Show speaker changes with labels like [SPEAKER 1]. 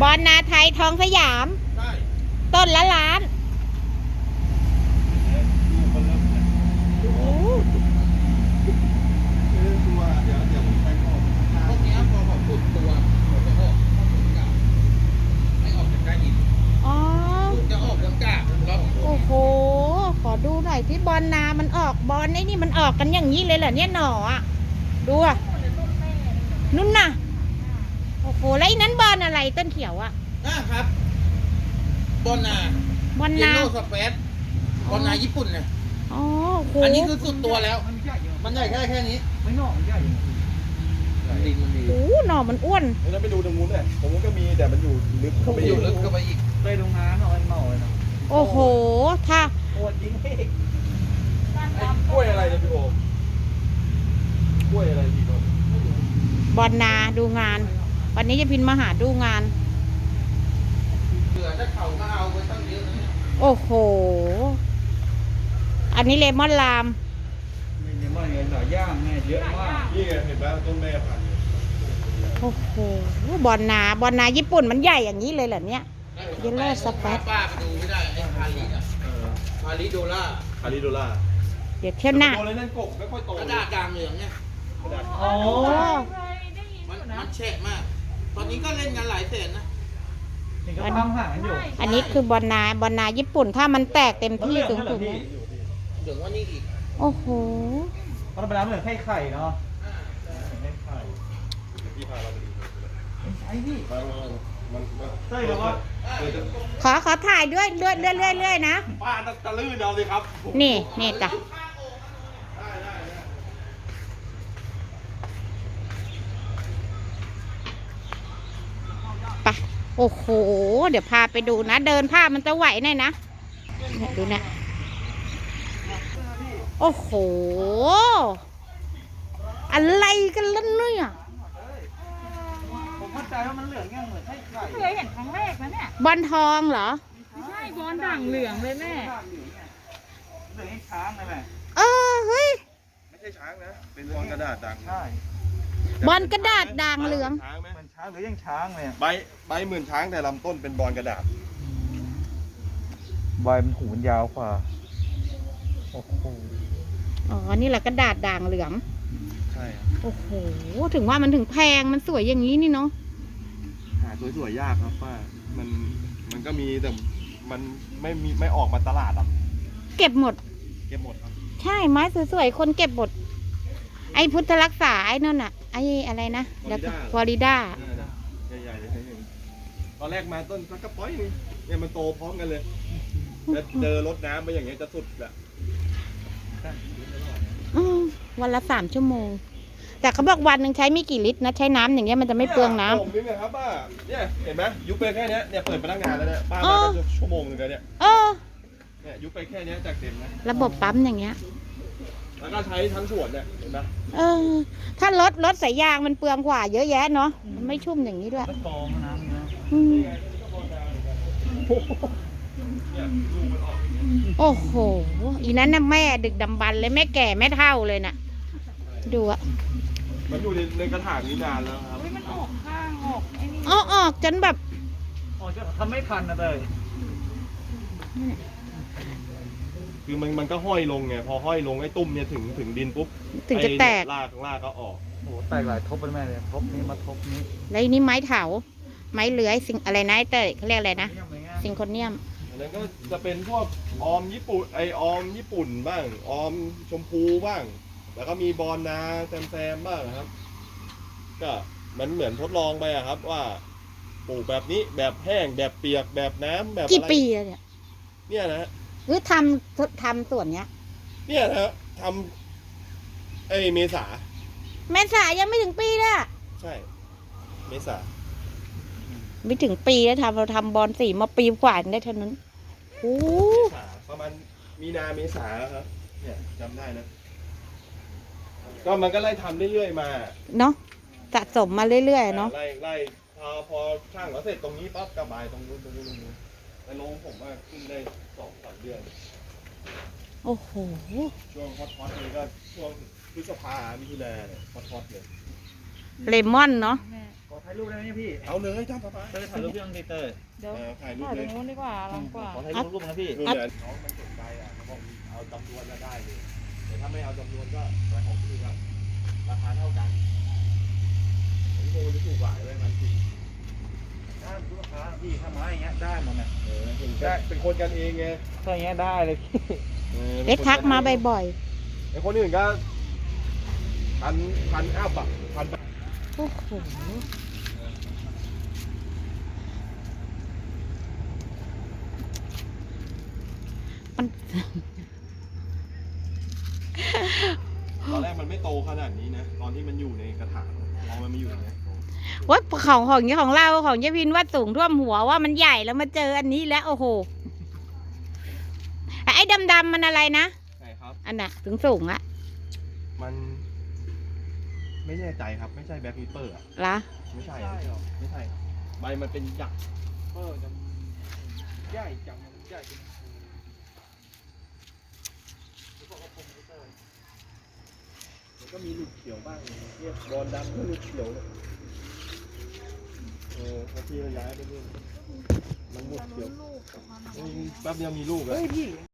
[SPEAKER 1] บอนนาไทยทองสยาม
[SPEAKER 2] ใช่
[SPEAKER 1] ต้นละล้าน
[SPEAKER 2] ตัวเดี๋ยวผมไปออกพวกนี้พอผมขุดตัวผมจะออกไม่ออกจากการหิน
[SPEAKER 1] อ๋อ
[SPEAKER 2] จะออกจากกาแล้ว
[SPEAKER 1] โอ้โหขอดูหน่อยที่บอนนามันออกบอนไอ้นี่มันออกกันอย่างนี้เลยเหรอเนี่ยหน่ออ่ะดูอ่ะนุ่นน่ะโอ้โหแล้วไอ้นั้นบอนอะไรต้นเขียวอ่ะ
[SPEAKER 2] นะครับบอนนา
[SPEAKER 1] บอน
[SPEAKER 2] เยล
[SPEAKER 1] นา
[SPEAKER 2] โล่สเปซบอนนาญี่ปุ่นเนี่ย
[SPEAKER 1] อ๋อโห
[SPEAKER 2] อันนี้คือสุดตัวแล้วมันใหญ่แค่นี้
[SPEAKER 3] ไม่นอกมันใหญ่
[SPEAKER 2] ดินมันดี
[SPEAKER 1] โอ้หน่อมันอ้วน
[SPEAKER 4] แล้วไปดูตรงนู้นเนี่ยตรงนู้นก็มีแต่มันอยู่ลึกเข้าไป
[SPEAKER 2] ไปอยู่ลึกเข้าไปอีก
[SPEAKER 3] ไปโรงงานหน่อยนะ
[SPEAKER 1] โอ้โหถ้า
[SPEAKER 3] ปวดยิงเอก
[SPEAKER 4] กล้วยอะไรเนี่ยพี่โอมกล้วยอะไรพี่โอม
[SPEAKER 1] บอนนาดูงาน วันนี้จะพินมาหาดูงาน
[SPEAKER 2] เหลือถ้าเขาก็เอาไปตั้งเยอะนะ
[SPEAKER 1] โอ้โหอันนี้เลมอนลาม
[SPEAKER 3] ไม่ใช่ว่าไงหลายย่างไงเยอะมาก
[SPEAKER 4] นี่ไงเห็นไหมต้นแม่พันธุ์
[SPEAKER 1] โอ้โหบอนนาญี่ปุ่นมันใหญ่อย่างนี้เลยเหรอเนี่ยเยลโล่สเปซ
[SPEAKER 2] ป้าไปดูไม่ได้ไอ้คาริอ่ะคาริโดล่า
[SPEAKER 4] คาริโดล่า
[SPEAKER 1] เดี๋ยวเที่ยวหน้า
[SPEAKER 4] โตเลยนั่นกบไม่ค่อยโต
[SPEAKER 2] กระดาษด่างเหลืองเนี่ย
[SPEAKER 1] อ๋อ
[SPEAKER 2] มันแฉะมาก ตอนนี้ก็เล่นกันหลายแสนนะ
[SPEAKER 3] เห็นก็ทำหาอยู่
[SPEAKER 1] อันนี้คือบอนนาญี่ปุ่นถ้ามันแตกเต็มที่สูงๆนะ
[SPEAKER 2] เหลืองว่านี่อีก
[SPEAKER 1] โอ้โห
[SPEAKER 3] ตอนเวลาเหมือนไข่เนาะไข่
[SPEAKER 4] พี่พาเราไปดู
[SPEAKER 3] ไอ้พี่
[SPEAKER 4] มัน
[SPEAKER 3] ใช่แล้วว่า
[SPEAKER 1] ขอถ่ายด้วยเรื่อยๆนะ
[SPEAKER 4] ป้าตะลื่นเอาสิครับ
[SPEAKER 1] นี่จ้ะไปโอ้โหเดี๋ยวพาไปดูนะเดินภาพมันจะไหวหน่อยนะเนี่ยดูนะโอ้โหอะไรกันล่ะเนี่ย
[SPEAKER 3] ผมเข้าใจว่ามันเหลืองแง่เหมือนไข่
[SPEAKER 5] เคยเห็นครั้งแรกนะเนี่ย
[SPEAKER 1] บอลทองเหรอ
[SPEAKER 5] ไม่ใช่บอลด่างเหลืองเลยแม่
[SPEAKER 3] เหลืองไอ้ช้างเลยแม่
[SPEAKER 1] เฮ้ย
[SPEAKER 4] ไม่ใช่ช้างนะเป็นบอลกระดาษด่าง
[SPEAKER 3] ใช่
[SPEAKER 1] บอลกระดาษด่างเหลือง
[SPEAKER 4] ช้างไหม
[SPEAKER 3] มันช้างหรือยังช้างเลย
[SPEAKER 4] ใบเหมือนช้างแต่ลำต้นเป็นบอลกระดาษ
[SPEAKER 3] ใบมันหูมันยาวกว่าโอ้โห
[SPEAKER 1] อ๋อนี่แหละกระดาษด่างเหลือง
[SPEAKER 4] ใช่ครับ
[SPEAKER 1] โอ้โหถึงว่ามันถึงแพงมันสวยอย่างนี้นี่เนาะ
[SPEAKER 4] หาสวยๆยากครับป้ามันก็มีแต่มันไม่ออกมาตลาดหรอก
[SPEAKER 1] เก็บหมด
[SPEAKER 4] เก็บหมดครับ
[SPEAKER 1] ใช่ไม้สวยๆคนเก็บหมดไอ้พุทธรักษาไอ้นั่นอะไอ้อะไรนะฟลอริดา
[SPEAKER 4] ใหญ่ๆเลยตอนแรกมาต้นสักกระป๋อยนึงเนี่ยมันโตพร้อมกันเลยแล้วเจอรดน้ำไปอย่างเงี้ยจะสุดแหละ
[SPEAKER 1] วันละ3 ชั่วโมงแต่เขาบอกวันหนึ่งใช้ไม่กี่ลิตรนะใช้น้ำอย่างเงี้ยมันจะไม่เปลืองน้ำ
[SPEAKER 4] ผมนึกนะครับป้าเนี่ยเห็นไหมยุบไปแค่เนี้ยเนี่ยเปิดมาตั้งนานแล้วเนี่ยป้ามาตั้งชั่วโมงนึงแล้วเนี่ยเนี่ยยุบไปแค่เนี้ยจากเต็มนะ
[SPEAKER 1] ระบบปั๊มอย่างเงี้ย
[SPEAKER 4] แล้วก็ใช้ทั้งส่วนเนี่ยเห็นไหม
[SPEAKER 1] ถ้ารถสายยางมันเปลืองกว่าเยอะแยะเนาะมันไม่ชุ่มอย่างนี้ด้วย
[SPEAKER 3] แล้วกองน้ำนะ
[SPEAKER 1] โอ้โหอีนั้นน่ะแม่ดึกดำบรรพ์เลยแม่แก่แม่เฒ่าเลยน่ะดูอะ
[SPEAKER 4] มันอยู่ในกระถางนี้นานแล้วครับ
[SPEAKER 5] อุ้ยมันออกข้างออกไอ้นี่
[SPEAKER 1] ออกจนแบบ
[SPEAKER 3] อ๋อจะทำไม่ทันนะเลย
[SPEAKER 4] คือมันก็ห้อยลงไงพอห้อยลงไอ้ตุ้มเนี่ยถึงดินปุ๊บ
[SPEAKER 1] ถึงจะแตก
[SPEAKER 4] ลากก็ออก
[SPEAKER 3] โอ้แตกหลายทบเลยแม่เลยทบนี้มาทบนี้
[SPEAKER 1] แล้วนี่ไม้เถาไม้เลื้อยสิ่งอะไรนะไอ้เต้ยเขาเรียกอะไรนะซิงโคเนียม
[SPEAKER 4] อันนั้นก็จะเป็นพวกออมญี่ปุ่นออมญี่ปุ่นบ้างออมชมพูบ้าง แล้วก็มีบอลนาแซมบ้างครับ ก็มันเหมือนทดลองไปอะครับว่าปลูกแบบนี้แบบแห้งแบบเปียกแบบน้ำแบบอะไร
[SPEAKER 1] กี่ปีแล้วเนี่ย
[SPEAKER 4] เนี่ยนะ
[SPEAKER 1] หรือทำส่วนเนี้ย
[SPEAKER 4] เนี่ยนะทำเมษา
[SPEAKER 1] เมษายังไม่ถึงปีเลยอะ
[SPEAKER 4] ใช่เมษา
[SPEAKER 1] ไม่ถึงปีแล้วเราทำบอลสีมาปีกว่าได้เท่านั้นโอ้
[SPEAKER 4] เมษาประมาณมีนาเมษาครับเนี่ยจำได้นะก็มันก็ไล่ทำเรื่อยๆมา
[SPEAKER 1] เนาะสะสมมาเรื่อยๆเนาะ
[SPEAKER 4] ไล่พอช่างแล้วเสร็จตรงนี้ปั๊บกระบายตรงนู้นแต่ลงผมว่าขึ้นได้2-3 เดือน
[SPEAKER 1] โอ้โห
[SPEAKER 4] ช่วงฮอตๆเลยก็ช่วงพฤษภามิถุนาเนี่ยฮอตๆเลย
[SPEAKER 1] เลมอนเนาะ
[SPEAKER 5] แม่
[SPEAKER 3] ขอถ่ายรูปได้ไหมพี่
[SPEAKER 4] เอาเลยจ้าป้า
[SPEAKER 3] เตยถ่ายรูปพี่ต้องเตย
[SPEAKER 5] เดี๋ยว
[SPEAKER 4] ถ่ายรูป
[SPEAKER 5] ถ่าย
[SPEAKER 4] เล
[SPEAKER 5] ตร
[SPEAKER 4] ย
[SPEAKER 5] งนู้นดีกว่าลองกว่า
[SPEAKER 3] ขอถ่ายรูปนะพี่
[SPEAKER 4] นู่นเนี่ยน้องมันสนใจอ่ะเขาบอกเอาจำนวนก็ได้เลยแต่ถ้าไม่เอาจำนวนก็ไปของพี่ก็ราคาเท่ากันผมโมจะถูกกว่าเลยมันถูก
[SPEAKER 3] ถ้าลูกค้าพี่ถ้าไม้อย่างเงี้ยได้หมดเนี่ย
[SPEAKER 4] เป็นคนกันเองไง
[SPEAKER 3] ถ้าอย่างเงี้ยได้เลยพี่
[SPEAKER 1] เล็กทักมาบ่อย
[SPEAKER 4] ไอ้คนอื่นก็พันอัพอ่ะพัน
[SPEAKER 1] ๆโอ้โหมัน
[SPEAKER 4] ตอนแรกมันไม่โตขนาดนี้นะตอนที่มันอยู่ในกระถางพอมันมาอยู่อย่างเงี้ย
[SPEAKER 1] ว่าของนี้ของเราของยายพินว่าสูงท่วมหัวว่ามันใหญ่แล้วมาเจออันนี้แล้วโอ้โหไอ้ดำๆมันอะไรนะ
[SPEAKER 4] ใช่ครับ
[SPEAKER 1] อันน่ะสูงอะ
[SPEAKER 4] มันไม่แน่ใจครับไม่ใช่แบ็คพีเปอร์อ่ะ
[SPEAKER 1] ละ
[SPEAKER 4] ไม่ใช่ไม่ใช่ครับใบมันเป็นหยัก
[SPEAKER 3] จะใหญ่จังใหญ่
[SPEAKER 4] มันก็มีหลุดเขียวบ้างเนี่ยบอลดำก็หลุดเขียวเนี่ยพอที่เราย้ายไปนู่นมันหลุดเขียวแป๊บเดียวมีลูกแล้ว
[SPEAKER 3] เฮ้ยพี่